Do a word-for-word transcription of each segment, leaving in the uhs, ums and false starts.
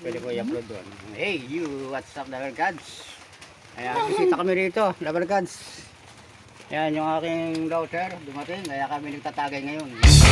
Pwede ko i-upload doon. Hey, you, what's up, Lover Gods? Ayan, bisita kami rito, Lover Gods. Ayan, yung aking daughter, dumating, kaya kami nagtatagay ngayon.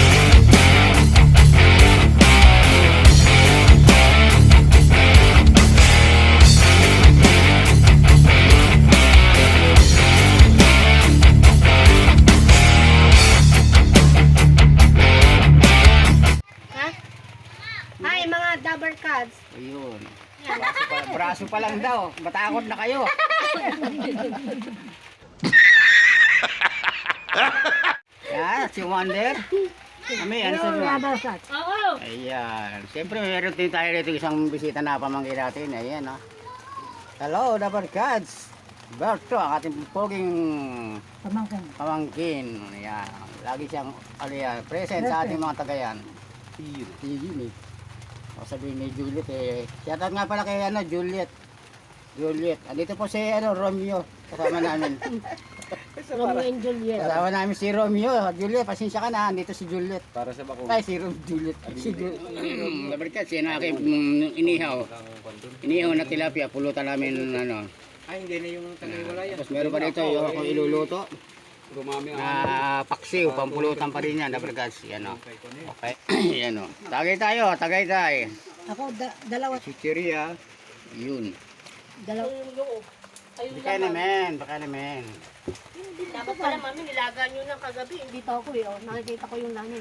Hi mga Dabber Cats. Ayun. Braso pa, braso pa lang daw. Matakot na kayo. Yan, si Wonder. Kami, ano sa mga? Oo. Ayan. Siyempre, meron din tayo dito isang bisita na pamangkin natin. Ayan, ha. Hello, Dabber Cats. Berto, ang ating poging Pamangkin. pamangkin. Ayan. Lagi siyang, ano yan, present sa ating mga tagayan. Yun eh. O sabihin ni Juliet eh. Shoutout nga pala kay ano, Juliet. Juliet. Andito po si ano, Romeo. Kasama namin. Romeo and Juliet. Kasama namin si Romeo. Juliet, pasensya ka na. Andito si Juliet. Para sa bako. Ay, si Rom, Juliet. Si Juliet. Labarkat, siya na aking mm, inihaw. Inihaw na tilapia. Pulutan namin ano. Ay, hindi na yung tagay-walaya. Tapos meron pa dito yung ako iluluto. Gumami ang Na paksiw, pampulutan pa rin yan. Labarkat, yan o. Okay. Yan o. Tagay tayo, tagay tayo. Ako, da dalawa. Si Chiria. Yun. Dalawa. Baka naman, baka naman. Dapat pala mami, nilaga nyo ng kagabi. Hindi pa ako eh. Oh. Nakikita ko yung nanay.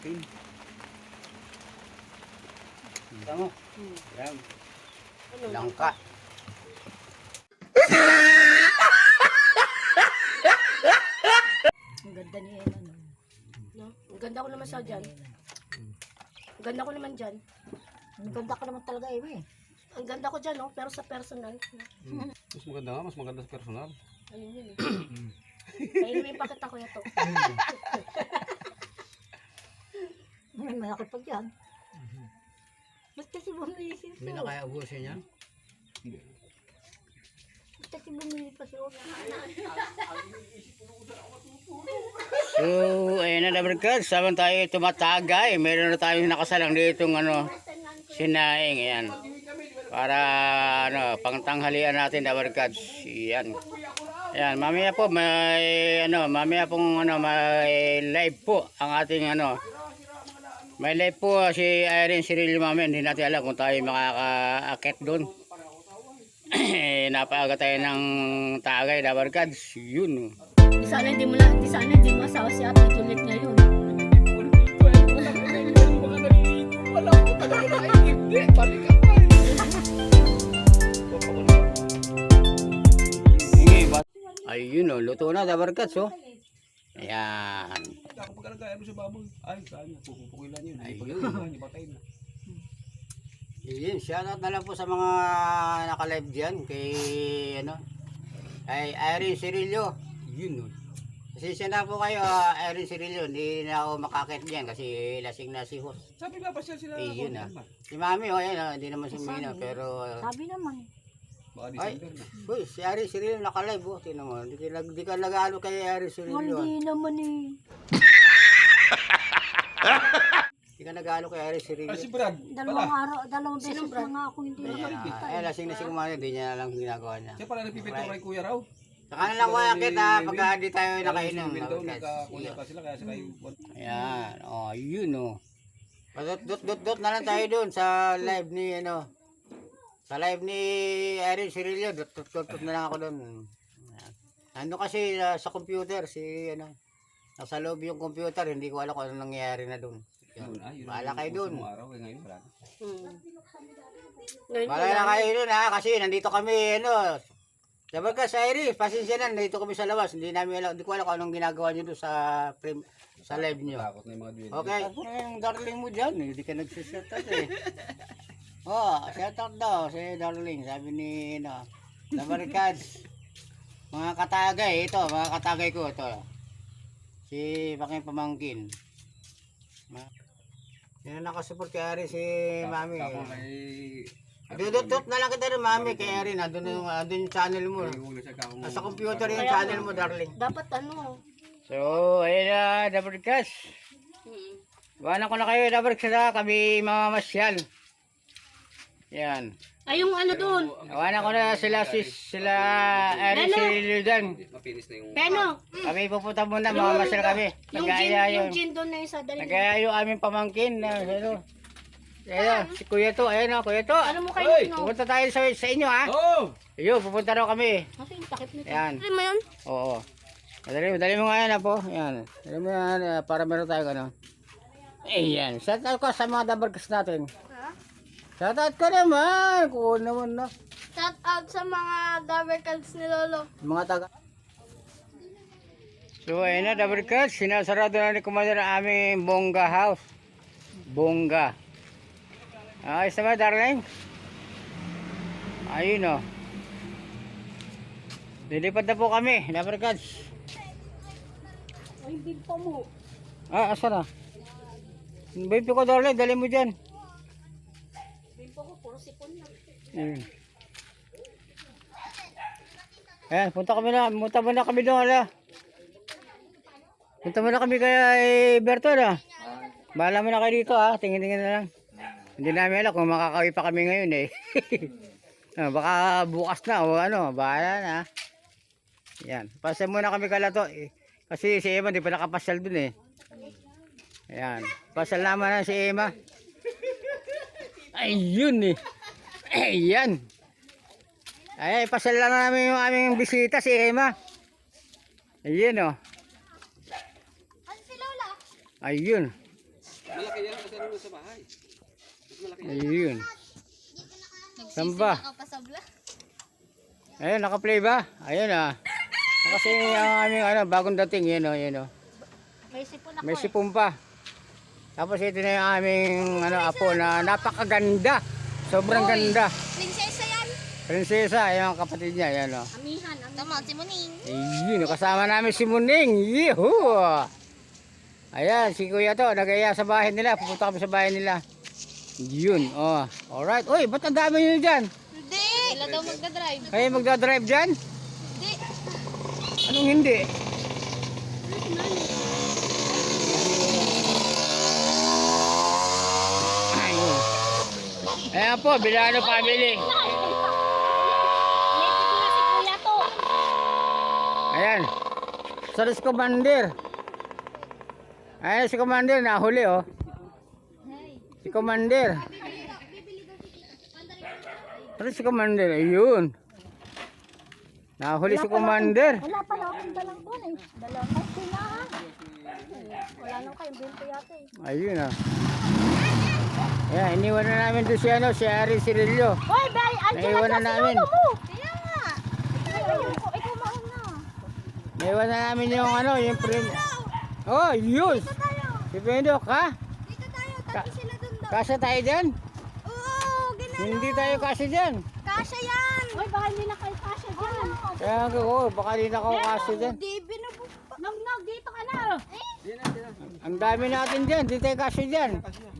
Tama. Hmm. Yan. Ano? Langka. Ang ganda ni Ella. No? No? Ang ganda ko naman sa dyan. Ang ganda ko naman dyan. Ang ganda ko naman talaga eh. Ang ganda ko dyan, no? Pero sa personal. Hmm. Mas maganda nga, mas maganda sa personal. Ayun yun eh. Kaya may pakita ko ito. May malaki pa dyan. Ba't kasi bumili siya? Hindi na kaya ubusin niya. Ba't kasi bumili pa siya? So, ayun na naman, sabang tayo tumatagay. Meron na tayong nakasalang dito ng ano, sinaing. Ayan. Para ano, pangtanghalian natin Dabber Cats. Yan. Ayan, mamaya po may ano, mamaya pong ano, may live po ang ating ano. May live po si Irene Cirillo mamaya. Hindi natin alam kung tayo makaka-akit doon. Napaaga tayo ng tagay Dabber Cats. Yun. Di sana hindi mo na, di sana hindi mo asawa si Ate Juliet ngayon. Wala ko talaga na hindi. Balik ka pa. Ayun o, luto na Dabber Cats oh. Ayan. Ako pagkalagay mo sa baboy. Ay, saan niya? Pupukilan yun. Ayun. Hindi patay na. Yun, shoutout na lang po sa mga naka-live dyan kay ano, kay Irene Cirillo. Yun o. Kasi siya na po kayo, uh, Irene Cirillo, hindi na ako makakit dyan kasi lasing na si host. Sabi nga pa siya sila. Eh, yun ah. Si Mami, oh, yan, ah, hindi naman sumina, pero uh, Sabi naman. Baka ay, December na. uy, si Irene Cirillo naka-live oh. Tingnan mo, hindi ka, di ka nag-ano kay Irene Cirillo. ah. Hindi naman eh. Hindi ka nag-ano kay Irene Cirillo. Ay, si Brad. Dalawang araw, dalawang beses na nga ako hindi Ayan, nakakita. ah, eh, lasing na si Kumari, hindi niya alam yung ginagawa niya. Siya pala nagpipinto kay Kuya Raw. Saka na lang kuya kita pagka di tayo nakainom. Nagkainom. Dabber Cats. Nagkakuya pa sila kaya sila yung... Ayan, oh, yun oh. Dot dot dot dot na lang tayo doon sa live ni ano. Sa live ni Irene Cirillo, dot dot dot dot na lang ako doon. Ano kasi uh, sa computer si ano. Nasa loob yung computer, hindi ko alam kung ano nangyayari na doon. Bahala kayo doon. Araw eh ngayon wala. Hmm. Ngayon Bahala na kayo doon ha, kasi nandito kami ano. Dabber Cats, Irene, pasensya na, nandito kami sa labas. Hindi namin alam, hindi ko alam kung anong ginagawa niyo doon sa frame, sa live niyo. Takot na yung mga duwende. Okay, ako na yung darling mo dyan, hindi ka nagsisetat eh. Oh, shoutout daw si darling, sabi ni no, Dabber Cats. Mga katagay, ito, mga katagay ko ito. Si Paking Pamangkin. Yan ang nakasupport kay Ari si Mami. Tapos ay... Dudot-dot na lang kita rin Mami kay Ari, nandun yung, nandun yung channel mo. Nasa computer yung channel mo darling. dapat ano. So, ayun na, Dabber Cats. Hmm. Iwanan ko na kayo, Dabber Cats, ha? Kami mamamasyal. Yan. Ay, yung ano doon. Awanan ko na sila, si, sila, Erin, si Lildan. Mapinis na yung... Pero, Kami pupunta muna, mamamasal kami. yung gin, Nag-aaya yung yung, gin doon na isa. Dali mo. nag-aaya yung aming pamangkin. Na, ano. Ayan, si Kuya to, ayan o, Kuya to. Ano mo kayo? Hoy! No? Pupunta tayo sa, sa inyo ha. Oh! Ayun, pupunta raw kami. Kasi yung takip nito. Ayan. Ano mo yun? Oo. Dali, dali mo nga yan po. Ayan. Dali mo yan eh, para meron tayo ano. Ayan. Shout out ko sa mga dabarkas natin. Ha? Shout out ka naman. Kuha naman na. Shout out sa mga dabarkads ni Lolo. Mga taga. So ayun na dabarkas. Sinasarado na ni Commander ang aming bongga house. Bongga. Ayos naman darling. Ayun o. Lilipad na po kami. Dabarkas. Ay, bimpo mo. Ah, asa na? Baby ko darling. Dali mo dyan. Bimpo ko, puro sipon na. Ayun. Ayan, punta kami na, punta muna kami doon, ala. Punta muna kami kaya eh, Berto, na. Bahala mo na kayo dito, ha. Tingin-tingin na lang. Hindi namin alam kung makakawi pa kami ngayon, eh. Ah, baka bukas na, o ano, bahala na. Ayan, pasal muna kami kala to, eh. Kasi si Emma, di pa nakapasyal dun, eh. Ayan, pasal naman na si Emma. Ayun, eh. Ayan. Ay, pasal lang namin yung aming bisita si Emma. Ayun oh. Ano si Lola? Ayun. Malaki yan kasi ano sa bahay. Mas malaki yan. Ayun. Samba. Nakapasabla. Ayun, naka-play ba? Ayun ah. Kasi ang aming ano, bagong dating, yun oh, yun oh. May sipon ako May eh. sipon pa. Tapos ito na yung aming ano, apo na napakaganda. Sobrang ganda. Prinsesa yan. Prinsesa, ayun ang kapatid niya, yan oh. Amihan. Tama, si Muning. Ayun, kasama namin si Muning. Yehoo! Ayan, si Kuya to, nagaya sa bahay nila. Pupunta kami sa bahay nila. Yun, oh. Alright. Uy, ba't ang dami nyo dyan? Hindi. Sila daw magdadrive. Kayo magdadrive dyan? Hindi. Anong hindi? Ayun. Ayan po, Bilano family. Lepit na si Kuya to. Ayan. Saris Commander. Ayan si Commander, nahuli oh. Si Commander. Saris si Commander, ayun. Nahuli si Commander. Wala pala akong dalang doon eh. Dalang ay tinahan. Wala nang kayong bento yata eh. Ayun ah. Ayan, iniwan na namin doon si ano, si Ari Cirillo. Hoy, Bay! Andiyan Naiwan na na namin. si Lolo mo! Kaya nga! Ay, ayun ko. Ikaw mauna. Naiwan na namin yung ano, yung prim... Oh, yun! Si Bendok, ha? Dito tayo. Ka- Tabi sila doon daw. Kasya tayo dyan? Oo, gina. Hindi tayo kasya dyan. Kasha yan! Hoy, baka hindi na kayo kasha dyan. Kaya ako, oh, baka di na ako kasya dyan. Di binubog pa. Nog, nog, dito ka na. Ang dami natin dyan, di tayo kasya dyan.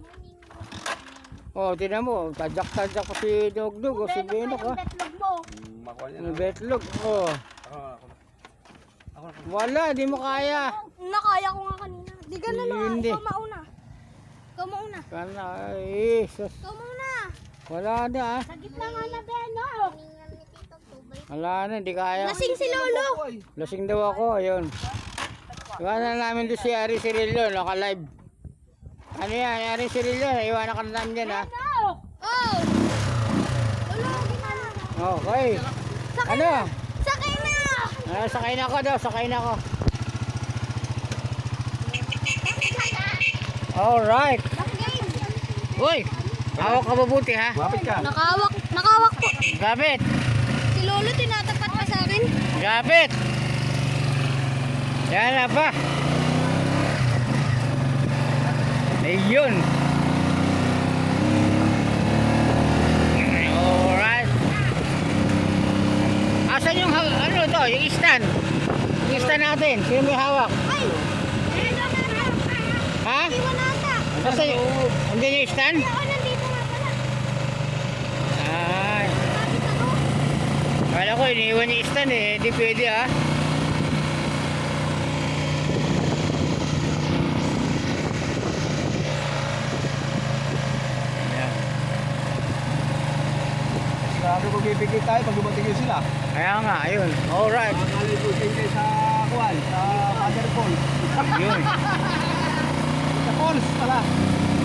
Oh, tinan mo, tadyak-tadyak ko si Dugdug, o si Bendok, ha? Betlog mo. Makuha niya Ang na. betlog, oh. Ako, ako na. Ako na. Wala, di mo kaya. Nakaya ko nga kanina. Di ka na lang. Hindi. Ikaw mauna. Ikaw mauna. Kana, ay, sus. Ikaw mauna. Wala na, ha? Sa gitna nga na, Beno. Wala na, di kaya. Lasing si Lolo. Lasing daw ako, ayun. Iwanan namin doon si Ari Cirillo, naka-live. Ano yan, Ari Cirillo, iwanan ka na namin dyan, ha? Oh. Lolo, Okay. Ano? sakay na. Ah, sakay na ako daw, sakay na ako. Alright. Uy, hawak ka mabuti, ha? Mapit ka. Nakawak, nakawak po. Gabit, Si Lolo tinatapat pa sa akin. gabit. Yan na pa. Ayun. Alright. Asan yung ha- ano to, yung stand? Yung stand natin, sino may hawak? Ay! Ayun na na. Ha? Iwan nata. Asan yung, andyan yung stand? Oo, nandito nga pala. Ay, Bakit ako? kala ko iniiwan yung stand eh, di pwede ha. Ayan. Sabi ko pipikit tayo pag dumating yun sila. Kaya nga, ayun. Alright. Makalay ko din kayo sa kuwan, sa Mother Falls. Yun. Sa Falls pala.